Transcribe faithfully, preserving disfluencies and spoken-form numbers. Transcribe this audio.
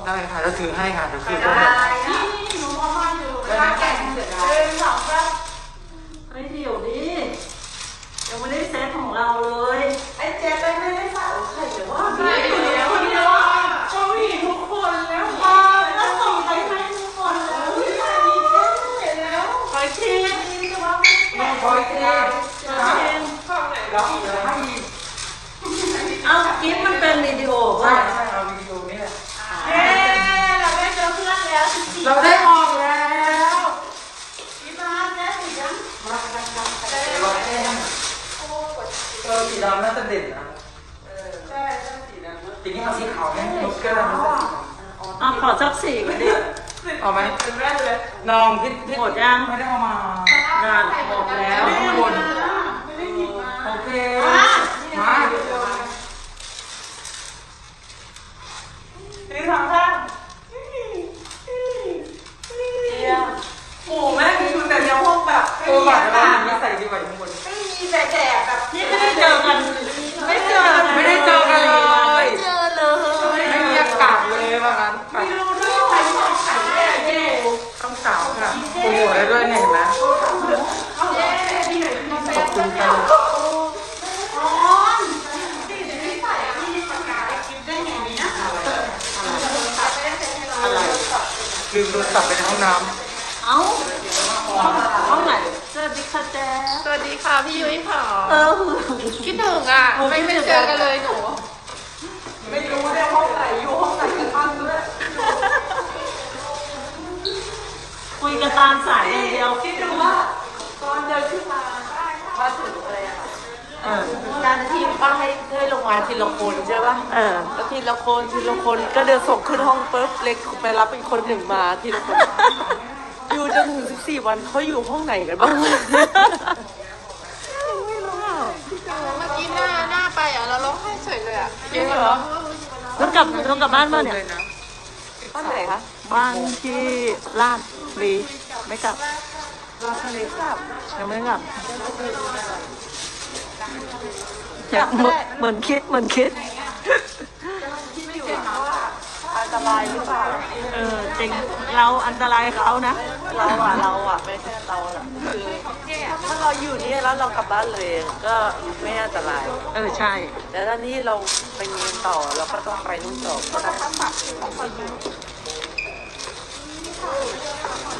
ได้ค่ะจะถือให้ค่ะเดี๋ยวคืนก็ได้ได้นี่นี่หนูมองมาอยู่ข้าแก่งเสร็จแล้วเป็นสองครับไอ้เดี๋ยวดิยังไม่ได้เซตของเราเลยไอ้เจ๊ไม่ได้ใส่ใส่แต่ว่าใส่แล้วคนเดียวชอบผู้หญิงทุกคนแล้วพอแล้วส่งไปให้ทุกคนแล้วใส่ดีเจ๊เสร็จแล้วคอยเชียร์นี่จะว่าไม่คอยเชียร์คอยเชียร์ข้างไหนแล้วให้เอาคลิปมันเป็นวิดีโอป่ะใช่เอาวิดีโอนี่แหละเย้เราได้เจอเพื่อนแล้วสิบสี่เราได้ออกแล้วพี่บ้านได้สิยังมามามาได้ร้อยแต้มเออสีดำน่าจะเด่นนะเออใช่ใช่สีดำทีนี้เอาสีขาวไหมนกแก้วมันจะสีขาวอ่ะขอสักสี่ก็ดิเอาไหมเป็นแรกเลยน้องพี่พี่หมดยังไม่ได้เอามางานหมดแล้วข้างบนไม่ได้หยิบมาโอเคมามาทีสองข้างเยี่ยมโอ้แม่มีคุณแต่ยังพวกแบบเออบัตรเราไม่ใส่ดีกว่าอยู่ข้างบนไม่มีแต่แดดแบบนี่ไม่ได้เจอกันไม่เจอไม่ได้เจอกันเลยไม่เจอเลยไม่มีอากาศเลยว่างั้นไม่รู้ด้วยใครชอบใครแย่เย่ต้องสาวค่ะโปรโมทได้ด้วยเนี่ยเห็นไหมเย่ที่ไหนมีแฟขอบนคุณค่ะอ๋อที่ไหนไม่ใส่ที่ปากกาคิดได้ไงนี่นะอะไรลืมโทรศัพท์ไปในห้องน้เอ้าห้องไหนสวัสดีค่ะแจ๊สสวัสดีค่ะพี่ยุ้ยค่ะเออคิดถึงอ่ะไม่ไม่เจอกันเลยหนูไม่รู้เนี่ยห้องไหนอยู่ห้องไหนกันบ้างด้วยคุยกันตามสายอย่างเดียวคิดดูว่าตอนเดินขึ้นมามาถึงอะไรอะเออการที่ป้าให้ให้ลงมาทีละคนใช่ป่ะเออแล้วทีละคนทีละคนก็เดินส่งขึ้นห้องปุ๊บเล็กไปรับอีกคนหนึ่งมาทีละคนอยู่จนถึงสิบสี่วันเขาอยู่ห้องไหนกันบ้างไม่รู้อ่ะเมื่อกี้หน้าหน้าไปอ่ะเราร้องไห้เฉยเลยอ่ะจริงเหรอต้องกลับต้องกลับบ้านป่ะเนี่ยบ้านไหนคะบ้านที่ลาดบุรีไม่กลับลาทะเลกลับยังไม่กลับอยากเหมือนเหมือนคิดเหมือนคิดไม่อยู่ว่าอันตรายหรือเปล่าเออจริงเราอันตรายเขานะเราอ่ะเราอ่ะไม่ใช่เราอ่ะคือถ้าเราอยู่นี่แล้วเรากลับบ้านเลยก็ไม่อันตรายเออใช่แต่ถ้านี่เราไปเรียนต่อเราก็ต้องไปนู่นต่อก็ต้อง